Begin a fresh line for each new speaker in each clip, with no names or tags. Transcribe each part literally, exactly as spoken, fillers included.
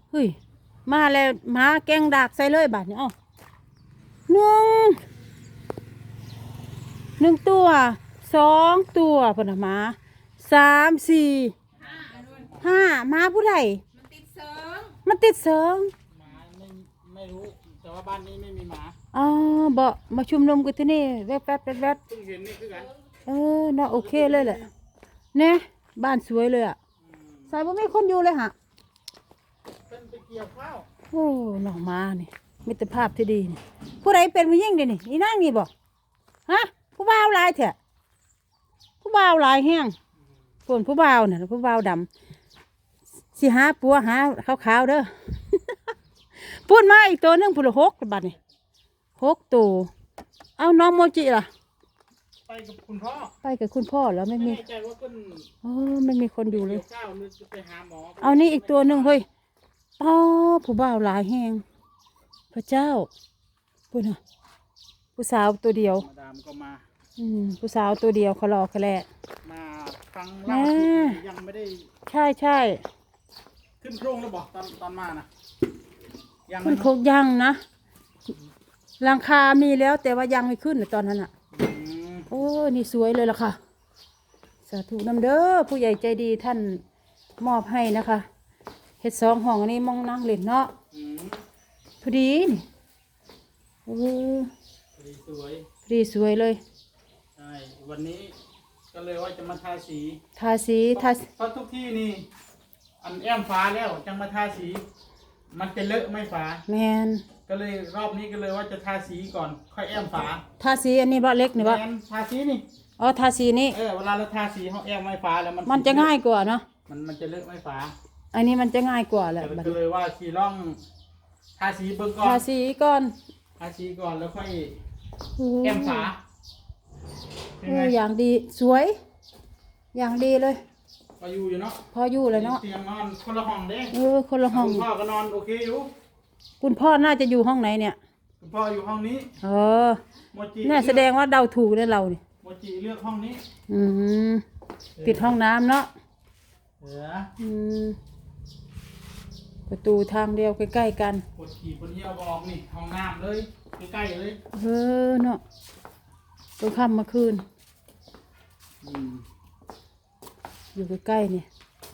เฮ้ยมาแล้วมาแกงดากใส่เลยบาดนี้เอ้าหนึ่งหนึ่งตัวสองตัวพนมาสามสี่ห้ามาผู้ใดมันติดเสิงมันติดเสิง
หมาไม่ไม่รู้แต่ว่าบ้านนี้ไม่มีหมา
อ๋อบ่มาชุมนุมกันที่นี่แวบแวบแวบแวบ
เพิ่งเห็นนี่คือกัน
เออน่าโอเคเลยแหละเนี่ยบ้านสวยเลยอ่ะใส่บ่มีคนอยู่เลยฮะ
เป็นไปเกี่ยวข้าว
โอ้หนองมานี่มิตรภาพที่ดีนี่ผู้ใดเป็นผู้ยิ่งเดี๋ยวนี้นี่นั่งนี่บ่ฮะผู้บ่าวลายเถอะผู้บ่าวลายแห้งส่วนผู้บ่าวเนี่ยผู้บ่าวดำสิหาปัวหาขาวๆเด้อ พูดมาอีกตัวนึงพูดละหกบัดนี่หกตัวเอาน้องโมจิล่ะ
ไปกับคุณพ่อ
ไปกับคุณพ่อแล้วไม่มี
ไม่แน่ใจว่าเพิ่น
เออไม่มีคนอยู่เลย
ข้าวหรือจะไปหาหมอ
เอานี่อีกตัวหนึ่งเฮ้ยป้าผู้บ่าวหลายแหงพระเจ้าพูดนะผู้สาวตัวเดียว
มาดามก็มา
อืมผู้สาวตัวเดียวเขารอเขาแหละ
มาฟังเล่ายังไม่ได้
ใช่ใช่
ขึ้นโครงแล้วบอกตอนตอนมานะ
ยังขึ้นโครงยังนะหลังคามีแล้วแต่ว่ายังไม่ขึ้นตอนนั้นอ่ะโอ้นี่สวยเลยล่ะค่ะสาธุนำเด้อผู้ใหญ่ใจดีท่านมอบให้นะคะเฮ็ดสองห้องอันนี้มองนั่งเล่นเนาะพอดีนี่โอ้
พอดีสวย
พอดีสวยเลย
ใช่วันนี้ก็เลยว่าจะมาทาสี
ทาสีทา
เพราะทุกที่นี่อันแอมฟ้าแล้วจังมาทาสีมันจะเลอะไม่ฟ้า
แมน
ก็เลยรอบนี้ก็เลยว่าจะทาสีก่อนค่อยแอมฝา
ทาสีอันนี้บ่เล็กนี่บ่
ทาสีนี่
อ๋อทาสีนี่
เออเวลาเราทาสีเขาแอมไม่ฝาแล้วมัน
มันจะง่ายกว่าเนาะ
มันมันจะเลอะไม่ฝา
อันนี้มันจะง่ายกว่าแหละ
ก็เลยว่าสีร่องทาสีเบื้องก่อน
ทาสีก่อน
ทาสีก่อนแล้วค่อยแอมฝา
เอออย่างดีสวยอย่างดีเลย
พออยู่อยู่เนาะ
พออยู่เลยเนาะ
เตียงนอนคนละห้องเด้
เออคนละห้อง
คุณพ่อก็นอนโอเคอยู่
คุณพ่อน่าจะอยู่ห้องไหนเนี่ย
คุณพ่ออยู่ห้องนี้
เออเนี่ยแสดงว่าเดาถูกเลยเราเนี่ย
โมจิเลือกห้องนี้
อืมปิดห้องน้ำเนาะ
เออ
อืมประตูทางเดียวใกล้ๆกัน
ปวดขี่ปวดเยี่ยวบอกนี่ห้องน้ำเลยใกล้ๆเลย
เออเนาะตัวค่ำเมื่อคืนอยู่ใกล้ๆเนี่ย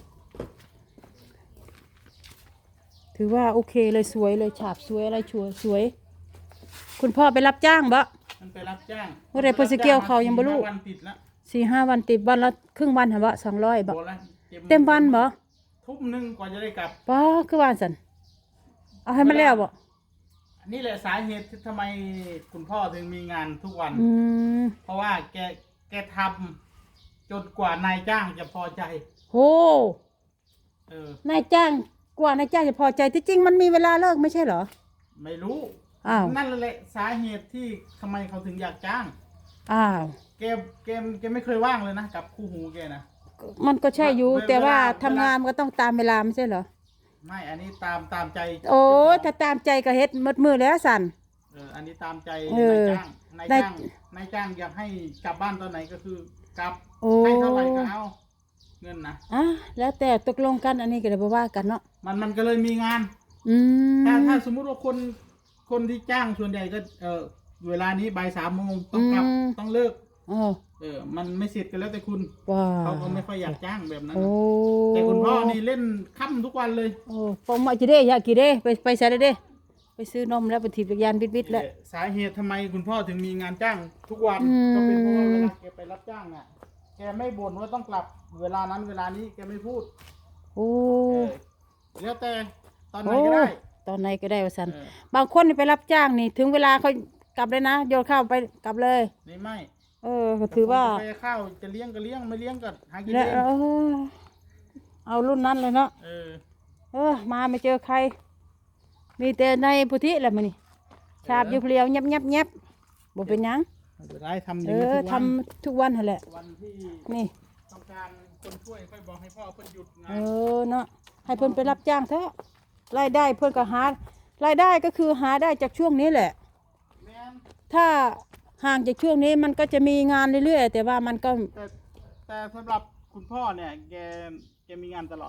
ถือว่าโอเคเลยสวยเลยฉาบสวยอะไรชัวสวยคุณพ่อไปรับจ้างบ่
มันไปรับจ้าง
เมื่อไรพอสเกียวเขายังบ่รู้สี่ห้าวันติดวันละครึ่งวันเหรอบ่สองร้อยบ่เต็มวันบ่
ทุ่มหนึ่งกว่าจะได้กลับ
ป้าคือวันสันเอาให้มันแล้วบ่
นี่แหละสาเหตุที่ทำไมคุณพ่อถึงมีงานทุกวันเพราะว่าแกแกทำจนกว่านายจ้างจะพอใจ
โอ้เออนายจ้างกว่านายจ้างจะพอใจที่จริงมันมีเวลาเลิกไม่ใช่เหรอ
ไม่รู้
อ้าว
นั่นแหละสาเหตุที่ทำไมเขาถึงอยากจ้าง
อ้าว
แกแกแกไม่เคยว่างเลยนะกับคู่หูแกนะ
มันก็ใช่อยู่แต่ว่าทำงานมันก็ต้องตามเวลาไม่ใช่เหรอ
ไม่อันนี้ตามตามใจ
โอ้ถ้าตามใจก็เฮ็ดมืดมือแล้วสั่น
เอออันนี้ตามใจนายจ้างนายจ้างนายจ้างอยากให้กลับบ้านตอนไหนก็คือกลับให้เท่าไหร่ก็เอาเงินนะ
อ่ะแล้วแต่ตกลงกันอันนี้ก็เลยบอกว่ากันเนาะ
มันมันก็เลยมีงาน
อืม
ถ้าถ้าสมมุติว่าคนคนที่จ้างส่วนใหญ่ก็เออเวลานี้บ่ายสามโมงต้องกลับต้องเลิกเออมันไม่เสร็จกันแล้วแต่คุณเขาก็ไม่ค่อยอยากจ้างแบบนั้นแต่คุณพ่อนี่เล่นค่ำทุกวันเลย
โอ้ปองมาจีเด้อยากกี่เด้ไปไปใส่ได้เด้ไปซื้อนมแล้วไปถีบจักรยานบิดบิดแล้ว
สาเหตุทำไมคุณพ่อถึงมีงานจ้างทุกวันก็เป็นเพราะว่าเวลาแกไปรับจ้างอ่ะแกไม่บ่นว่าต้องกลับเวลานั้นเวลานี้แกไม่พูด
โอ้
แล้วแต่ตอนไหนก็ได้
ตอนไหนก็ได้ว่าสันบางคนไปรับจ้างนี่ถึงเวลาเขากลับเลยนะโยนข้าวไปกลับเลย
นี่ไม่
เออถือว่า
ไปข้าวจะเลี้ยงก็เลี้ยงไม่เลี้ยงก็หากิน
เองเอารุ่นนั้นเลยเนาะ
เออ
เออมาไม่เจอใครมีแต่ในพุทธิแหละมันนี่ชาบอยู่เปลี่ยวเงียบเงียบเงียบบ่เป็นยัง
ได้ทำ
เออทำทุกวันแหละ
วันที่
นี่
ต้องการคนช่วยค่อยบอกให้พ่อเพิ่นหยุดงาน
เออเนาะให้เพิ่นไปรับจ้างเถอะรายได้เพิ่นก็หารายได้ก็คือหาได้จากช่วงนี้แหละถ้าห่างจากช่วงนี้มันก็จะมีงานเรื่อยๆแต่ว่ามันก็
แต่แต่สำหรับคุณพ่อเนี่ยแกแกมีงานตลอดนะ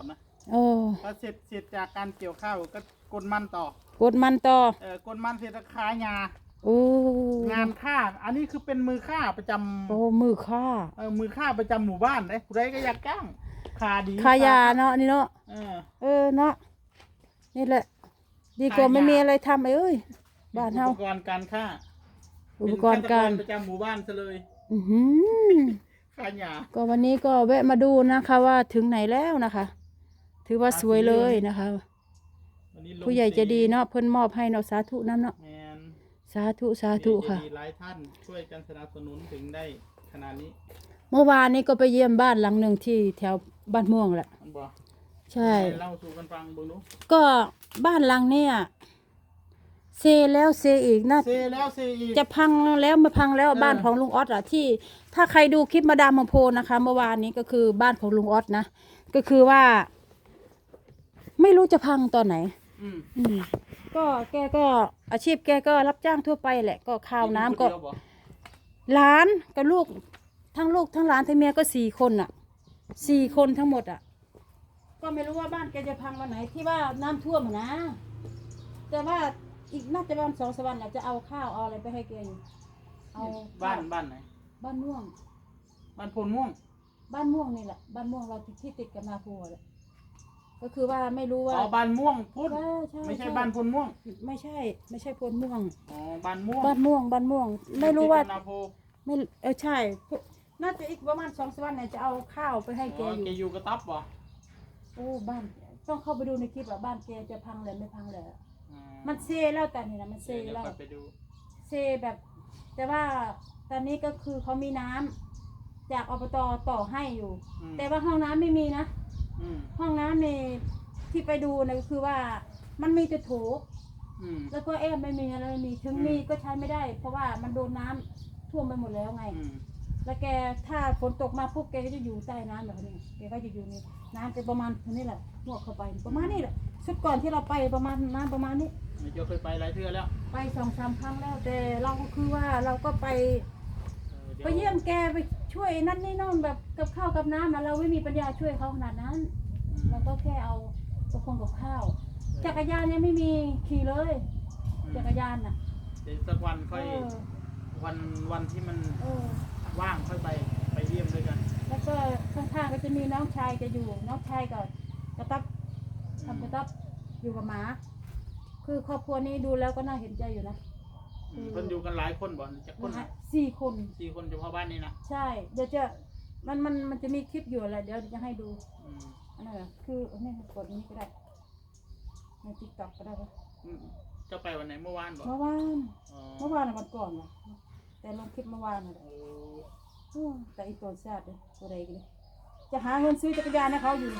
โอ้
พอเสร็จเสร็จจากการเกี่ยวข้าวก็กดมันต่อก
ดมันต่อ
เออกดมันเสร็จก็ขายยา
โอ้
งานฆ่าอันนี้คือเป็นมือฆ่าประจำ
โอ้มือค่า
เออมือฆ่าประจำหมู่บ้านเด้ผู้ใดก็อยากจ้างขาดี
ขายาเนาะนี่เนาะ
เออ
เออเนาะนี่แหละ ดีกว่าไม่มีอะไรทำเอ้ยบ้านเฮา
อุปกรณ์การฆ่า
อุปกรณ์การ
เป็นฆตประจำหมู่บ้านซะเลย
อือหือ
ขายยา
ก็วันนี้ก็แวะมาดูนะคะว่าถึงไหนแล้วนะคะ ถือว่าสวยเลยนะคะ
วันนี้ลง
ผู้ใหญ่ใจะดีเนาะเพิ่นมอบให้เนาะสาธุน้ำเนาะ
แมน
สาธุสาธุค่ะ
ผู้ใหญ่ใจดีหลายท่านช่วยกันสนับสนุนถึงได้ขนาดนี้
เมื่อวานนี้ก็ไปเยี่ยมบ้านหลังหนึ่งที่แถวบ้านม่วงแหละ
มันบอก
ใช่
เล่าสู่กันฟังเบิ่งดู
ก็บ้านหลังเนี่ยเซแล้วเซอีกน่า
เซแล้วเซอีก
จะพังแล้วมาพังแล้ว
เออ
บ้านของลุงออสอ่ะที่ถ้าใครดูคลิปมาดามมาโพนะคะ เมื่อวานนี้ก็คือบ้านของลุงออสนะก็คือว่า ไม่รู้จะพังตอนไหน
อืม
อืมก็แกก็อาชีพแกก็รับจ้างทั่วไปแหละ ก็ข้าวน้ำก็
เดียวบ่
หลานกับลูกทั้งลูกทั้งหลานทั้งเมียก็สี่คนอ่ะสี่คนทั้งหมดอ่ะ ก็ไม่รู้ว่าบ้านแกจะพังวันไหนที่ว่าน้ำท่วมอะนะแต่ว่าอีกน่าจะประมาณสองสามวันน่ะจะเอาข้าวเอาอะไรไปให้แกอยู่เอา
บ้านบ้านไหน
บ้านม่วง
บ้านโพนม่วง
บ้านม่วงนี่แหละบ้านม่วงเราที่ติดกับนาโพแหละก็คือว่าไม่รู้ว่า
อ๋อบ้านม่วงพุทธ
ใช่ใช่
ไม่ใช่บ้านโพนม่วง
ไม่ใช่ ไม่ใช่พลม่วง
อ๋อบ้านม่วง
บ้านม่วงบ้านม่วง ไม่รู้ว่า
ติดกับนาโพ
ไม่เออใช่พวกน่าจะอีกประมาณสองสามวันเนี่ยจะเอาข้าวไปให้แก
อ๋อ
อยู่
แกอยู่กระต๊อบบ่
โอ้บ้านต้องเข้าไปดูในคลิปว่าบ้านแกจะพังเลยไม่พังเลย
อื
มันเซแล้วแต่นี่นะมันเซ
เดี๋ยว
แล้ว
ค่อยไปดู
เซแบบ แต่ว่าตอนนี้ก็คือเขามีน้ำจากอบตต่อให้อยู่
อืม
แต่ว่าห้องน้ำไม่มีนะ
อืม
ห้องน้ำในที่ไปดูนะก็คือว่ามันมีแต่โถ
อืม
แล้วก็แอมไม่มีอะไรไม่มีถึง
อืม
มีก็ใช้ไม่ได้ เพราะว่ามันโดนน้ำท่วมไปหมดแล้วไง
อืม
แล้วแกถ้าฝนตกมาปุ๊บแกก็จะอยู่ใต้น้ำแบบนี้แกก็จะอยู่นี่น้ำจะประมาณนี้แหละหมวกเข้าไปประมาณนี้แหละชุดก่อนที่เราไปประมาณน้ำประมาณนี้
ไม่เจ้าเคยไปหลายเทื่อแล้ว
ไปสองสามครั้งแล้ว แต่เราก็คือว่าเราก็ไป
เออดี๋ว
ไปเยี่ยมแกไปช่วยนั่นนี่นั่นแบบกับข้าวกับน้ำอะเราไม่มีปัญญาช่วยเขาขนาดนั้น
อืม
เราก็แค่เอากระพงกับข้าว จักรยานยังไม่มีขี่เลย
อืม
จักรยานน่ะ
เดี๋ยวสักวัน
เอ
ค่อย
อ
วันวันที่มัน
เออ
ว่างค่อยไปไปเยี่ยมด้วยกัน
แล้วก็ข้างๆก็จะมีน้องชายจะอยู่ น้องชายก็กระตับ
อืม
ทำกระตับอยู่กับหมา คือครอบครัวนี้ดูแล้วก็น่าเห็นใจอยู่นะ
อืมเพิ่นอยู่กันหลายคนบ่จักคน
นะฮะสี่คน
สี่คนเฉพาะบ้านนี้นะ
ใช่ เดี๋ยวจะมันมันมันจะมีคลิปอยู่อะไรเดี๋ยวจะให้ดู
อืม
อันนั้นเหรอคืออันนี้กดอันนี้ก็ได้ในติ๊กต็อกก็ได้ปะ
อืมเจ้าไปวันไหนเมื่อวานบ่
เมื่อวาน
อ๋อ
เมื่อวานน่ะวันก่อนนะแต่ลงคลิปเมื่อวานน่ะแหละ
โอ้
อืมแต่อีตัวแซ่บเลยตัวใดกันเลยจะหาเงินซื้อจักรยานให้เขาอยู่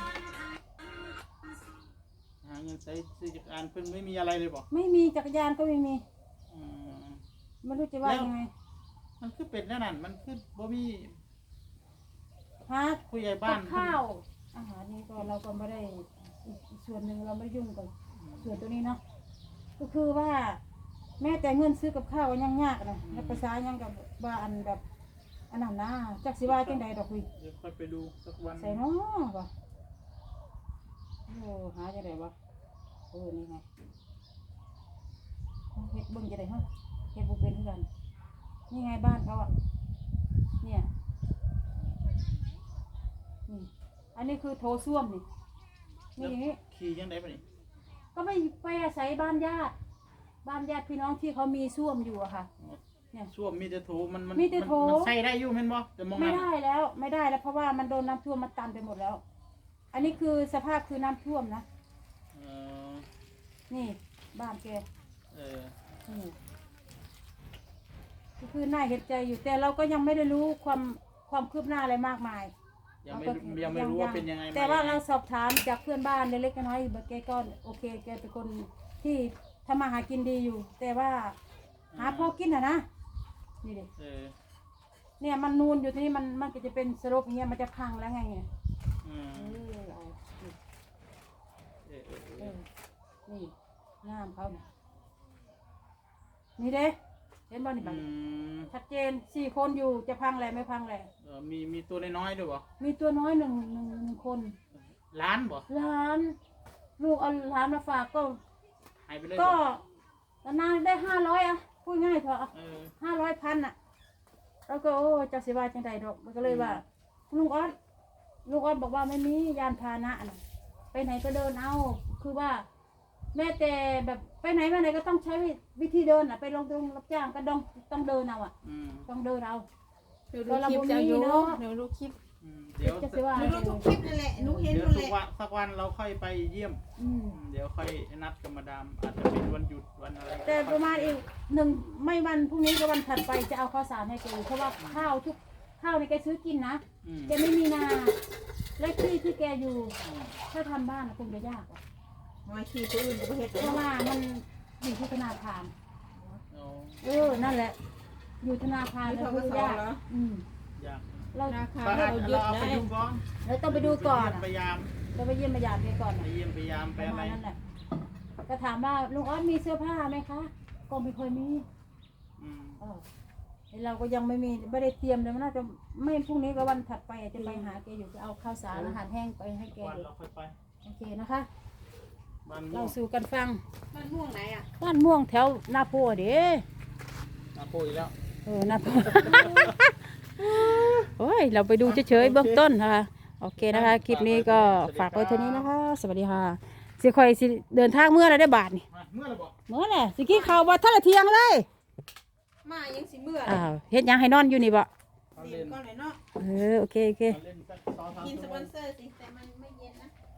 หาเงินใช้ซื้อจักรยานเพิ่นไม่มีอะไรเลยบ่
ไม่มีจักรยานก็ไม่มี
อืม
ไม่รู้จะว่ายังไง
มันคือเป็ดแน่นั่นมันคือบ่มี
หา
ผู้ใหญ่
กั
บ้าน
บข้าวอาหารนี่ก็เราก็ไม่ได้อีกส่วนหนึ่งเราไม่ยุ่งกับส่วนตัวนี้เนาะก็คือว่า แม้แต่เงินซื้อกับข้าวก็ยังยากนะแล้วภาษายังกับว่าอันแบบอันนั้นนะจักสิว่าจังใดดอกคุย
เดี๋ยวค่อยไปดูสักวัน
ใส่เนาะวะโอ้หาจังไดวะเออนี่ไงเฮ็ดเบิ่งจังไดฮะเฮ็ดบ่เป็นคือกันนี่ไงบ้านเขาอ่ะเนี่ยนี่อันนี้คือโถส้วมนี่นี่อย่างนี้
ขี่ยังไงบ่นี่
ก็ไปไปอาศัยบ้านญาติ บ้านญาติพี่น้องที่เขามีส้วมอยู่อะค่ะ เนี่ย
ส้วมมีแต่โถมันมัน
มีแต่โถ
มันใส่ได้อยู่แม่นบ่แต่มอง
ไม่
นั้น
ได้แล้วไม่ได้แล้วเพราะว่ามันโดนน้ำท่วมมันตันไปหมดแล้ว อันนี้คือสภาพคือน้ำท่วมนะ
เออ
นี่บ้านแก
เออ
นี่ก็คือน่าเห็นใจอยู่แต่เราก็ยังไม่ได้รู้ความความคืบหน้าอะไรมากมาย
ยังไม่ยังไม่รู้ว่าเป็นยังไง
แต่ว่า
มา
เราสอบถามจากเพื่อนบ้านเล็กๆน้อยๆแกก็โอเคแกเป็นคนที่ทำมาหากินดีอยู่ แต่ว่าหาพอกินอะนะนี่ดิ
เออ
เนี่ยมันนูนอยู่ที่นี่มันมันก็จะเป็นสลบอย่างเงี้ยมันจะพังแล้วไงเนี่ย
อืม
เออเอานี่
เออเออเอ
เอ
อ
อนี่งามเขาเนี่ยนี่เด้เห็นบ่นี่
อื
บัด
ม
ชัดเจนสี่คนอยู่จะพังแหละไม่พังแหละ
เออมีมีตัวน้อยๆด้วยบ่
มีตัวน้อยหนึ่งหนึ่งหนึ่งคน
ล้านบ่
หลานลูกเอาหลานมาฝากก็
หายไปเลย
ก็
บ่
นานได้ห้าร้อยอะพูดง่ายเถอะ
เออ
ห้าร้อยพันอะแล้วก็โอ้เจ้าสิว่าจังใดดอกมันก็เลยว่าลุงออสลุงออสบอกว่าไม่มียานพาหนะน่ะไปไหนก็เดินเอาคือว่า แม้แต่แบบไปไหนมาไหนก็ต้องใช้วิธีเดินอ่ะไปลงตรงรับจ้างก็ต้องต้องเดินเอาอ่ะ
อืม
ต้องเดินเอา
หนูดูคลิปจะอยู่
เนาะ
หนูดูคลิป
อืมเดี๋ยว
จะสิว่า
หนูดูทุกคลิปนั่นแหละหนูเห็น
เดี๋ยว
นั่น
สั
แห
ก
ละ
วันสักวันเราค่อยไปเยี่ยม
อืม
อืมเดี๋ยวค่อยนัดกับมาดามอาจจะเป็นวันหยุดวันอะไร
แต่ประมาณอีกหนึ่งไม่วันพรุ่งนี้ก็วันถัดไปจะเอาข้าวสารให้แกเพราะว่าข้าวทุกข้าวในแกซื้อกินนะ
อืม
แกไม่มีนาและที่ที่แกอยู่ถ้าทำบ้านคงจะยากอะ
มาขี่ตัวอื่นก็เห็น
เพราะว่ามันอยู่ที่ธนาคาร
เอา
เออนั่นแหละ อยู่ธนาคาร
นี่
แล้ว
เขา
คื
ก็
อ
สอน
ยาก
เหรอ
อืม
อยาก
เรา
ราคา
ก็
เราหยุด
เราเอา
ได้
ไปดูก่อน
เราต้องไปดูก่อน
ไป
อะ
เยี่ยมพยายาม
เราไปเยี่ยมพยานแกก่อน
ไป
อะ
เยี่ยมพยายาม
ป
ไประ อะไร
มาณนั้นแหละก็ถามว่าลุงออสมีเสื้อผ้าไหมคะ ก็ไม่ค่อยมี
อืม
เออไอ้เราก็ยังไม่มีไม่ได้เตรียมเลยมันน่าจะไม่พรุ่งนี้ก็วันถัดไปอาจจะไปหาแกอยู่จะเอาข้าวสารอาหารแห้งไปให้แก
วัน
อยู่
เราค่อยไป
โอเคนะคะ
บ้านม่
เรา
วง
สู่กันฟัง
มันม่วงไหนอ่ะ
บ้านม่วงแถวนาโพเด้
มาโปอีกแล้ว
เออนาโพ โอ้ยเราไปดูเฉยๆเบื้องต้นนะคะโอเคนะคะ คลิปนี้ก็ฝากไว้เท่านี้นะคะ สวัสดีค่ะสิคอยสิเดินทางเมื่อไรได้บาทนี่
มาเมื่อไหรบอก
เมื่อไหร่สิกี้ข่าวบ่ท่าละเทียงเลย
มายังสิเมื่อ
อ้าวเฮ็ดหยังให้นอนอยู่นี่บ่
เขา
สี
เล่น
ก้อนไหนเนาะ
เออโอเคโอเค
เขาเล่นสักสองสาม
กินส
ชั่ว
ป
โม
อง นเซอร์สิ